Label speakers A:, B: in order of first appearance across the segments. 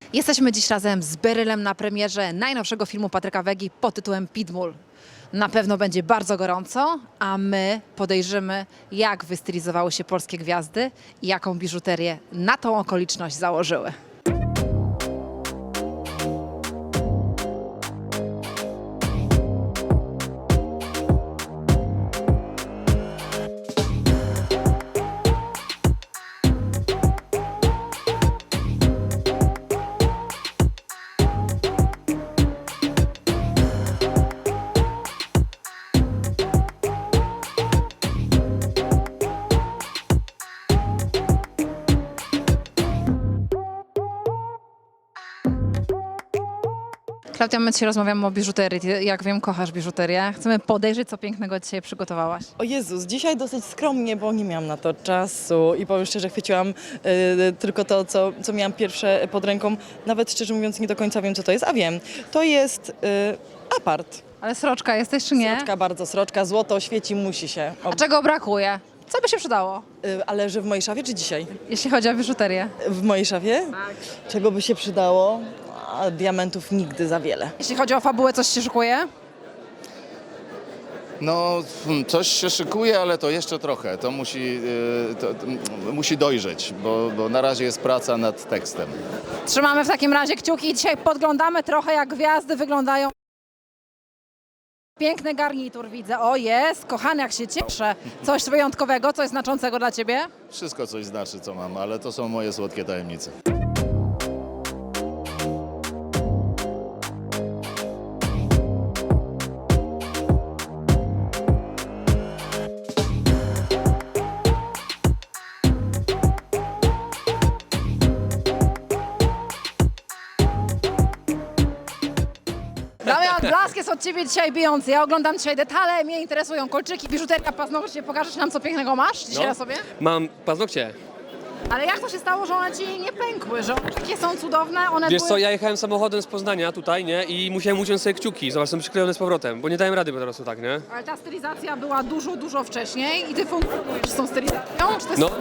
A: Jesteśmy dziś razem z Berylem na premierze najnowszego filmu Patryka Wegi pod tytułem Pitbull. Na pewno będzie bardzo gorąco, a my podejrzymy, jak wystylizowały się polskie gwiazdy i jaką biżuterię na tą okoliczność założyły. Klaudia, my dzisiaj rozmawiamy o biżuterii. Ty, jak wiem, kochasz biżuterię. Chcemy podejrzeć, co pięknego dzisiaj przygotowałaś.
B: O Jezus, dzisiaj dosyć skromnie, bo nie miałam na to czasu i powiem szczerze, chwyciłam tylko to, co miałam pierwsze pod ręką. Nawet szczerze mówiąc nie do końca wiem, co to jest, a wiem. To jest apart.
A: Ale sroczka jesteś, czy nie?
B: Sroczka, bardzo sroczka, złoto świeci, musi się.
A: A czego brakuje? Co by się przydało,
B: Ale że w mojej szafie czy dzisiaj?
A: jeśli chodzi o biżuterię?
B: W mojej szafie? Tak. Czego by się przydało? A diamentów nigdy za wiele.
A: Jeśli chodzi o fabułę, coś się szykuje?
C: No, coś się szykuje, ale to jeszcze trochę. To musi dojrzeć, bo na razie jest praca nad tekstem.
A: Trzymamy w takim razie kciuki i dzisiaj podglądamy trochę, jak gwiazdy wyglądają. Piękny garnitur widzę. O, jest, kochany, jak się cieszę. Coś wyjątkowego, coś znaczącego dla ciebie?
C: Wszystko coś znaczy, co mam, ale to są moje słodkie tajemnice.
A: Damian, blask jest od ciebie dzisiaj bijący. Ja oglądam dzisiaj detale, mnie interesują kolczyki, biżuteria, paznokcie. Pokażesz nam, co pięknego masz dzisiaj na sobie?
D: Mam paznokcie.
A: Ale jak to się stało, że one ci nie pękły, że one takie są cudowne? One
D: Wiesz
A: były...
D: co, ja jechałem samochodem z Poznania tutaj, nie? I musiałem uciąć sobie kciuki. Zobacz, są przyklejone z powrotem, bo nie dałem rady po prostu tak, nie?
A: Ale ta stylizacja była dużo wcześniej i ty funkcjonujesz z tą stylizacją? Czy to jest
D: No,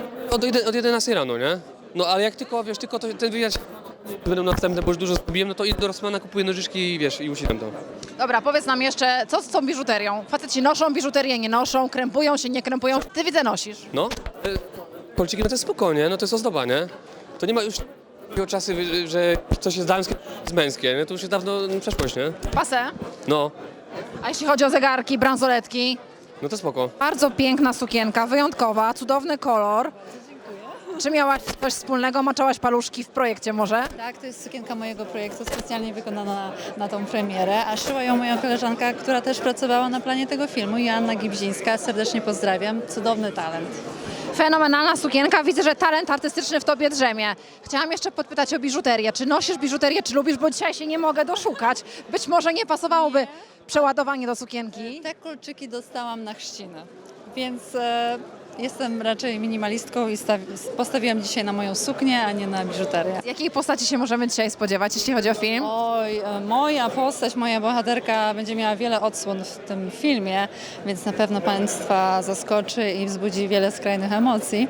D: od 11 rano, nie? No, ale jak tylko, wiesz, tylko ten wywiad będą następne, bo już dużo zrobiłem, no to idę do Rossmana, kupuję nożyczki i wiesz, i ucinam to.
A: Dobra, powiedz nam jeszcze, co z tą biżuterią? Faceci noszą biżuterię, nie noszą, krępują się, nie krępują. Ty widzę nosisz.
D: No, kolczyki, no to jest spokojnie, no to jest ozdoba, nie? To nie ma już czasy, że coś jest damskie, jest męskie, nie? To już jest dawno przeszłość, nie?
A: Pasę.
D: No,
A: A jeśli chodzi o zegarki, bransoletki?
D: no to spoko.
A: Bardzo piękna sukienka, wyjątkowa, cudowny kolor. Czy miałaś coś wspólnego? Maczałaś paluszki w projekcie może?
E: Tak, to jest sukienka mojego projektu, specjalnie wykonana na tą premierę, a szyła ją moja koleżanka, która też pracowała na planie tego filmu, Joanna Gibzińska. Serdecznie pozdrawiam. Cudowny talent.
A: Fenomenalna sukienka. Widzę, że talent artystyczny w tobie drzemie. Chciałam jeszcze podpytać o biżuterię. Czy nosisz biżuterię, czy lubisz? Bo dzisiaj się nie mogę doszukać. Być może nie pasowałoby przeładowanie do sukienki.
E: Te kolczyki dostałam na chrzciny, więc jestem raczej minimalistką i postawiłam dzisiaj na moją suknię, a nie na biżuterię.
A: Jakiej postaci się możemy dzisiaj spodziewać, jeśli chodzi o film?
E: Oj, moja postać, moja bohaterka będzie miała wiele odsłon w tym filmie, więc na pewno Państwa zaskoczy i wzbudzi wiele skrajnych emocji.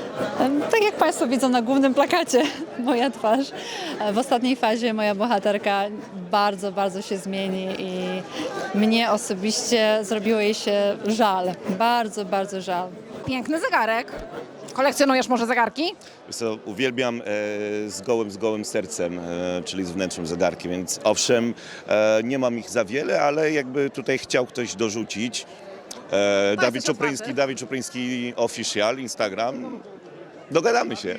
E: Tak jak Państwo widzą na głównym plakacie, moja twarz. W ostatniej fazie moja bohaterka bardzo się zmieni i mnie osobiście zrobiło jej się żal. Bardzo żal.
A: Piękny zegarek. Kolekcjonujesz może zegarki?
F: Wiesz co, uwielbiam z gołym sercem, czyli z wnętrzem zegarki, więc owszem, nie mam ich za wiele, ale jakby tutaj chciał ktoś dorzucić. Dawid Czupryński Official, Instagram, dogadamy się.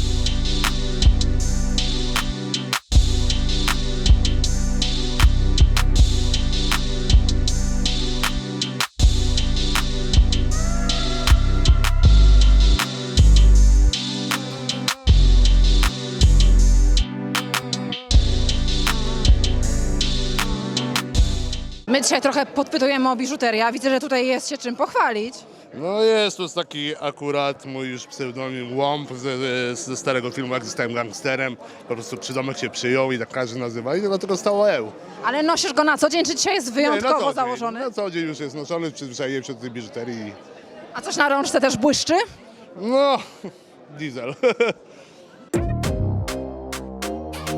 A: My dzisiaj trochę podpytujemy o biżuterię, a widzę, że tutaj jest się czym pochwalić.
G: No jest, to jest taki akurat mój już pseudonim Łąb ze starego filmu, jak zostałem gangsterem. Po prostu przydomek się przyjął i tak każdy nazywa i dlatego stało EU.
A: Ale nosisz go na co dzień, czy dzisiaj jest wyjątkowo założony?
G: Na co dzień już jest noszony, przyzwyczaiłem się do tej biżuterii.
A: A coś na rączce też błyszczy?
G: No, diesel.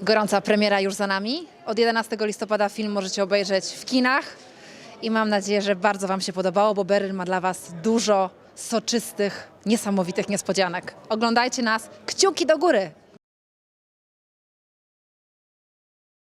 A: Gorąca premiera już za nami. Od 11 listopada film możecie obejrzeć w kinach i mam nadzieję, że bardzo Wam się podobało, bo Beryl ma dla Was dużo soczystych, niesamowitych niespodzianek. Oglądajcie nas, kciuki do góry!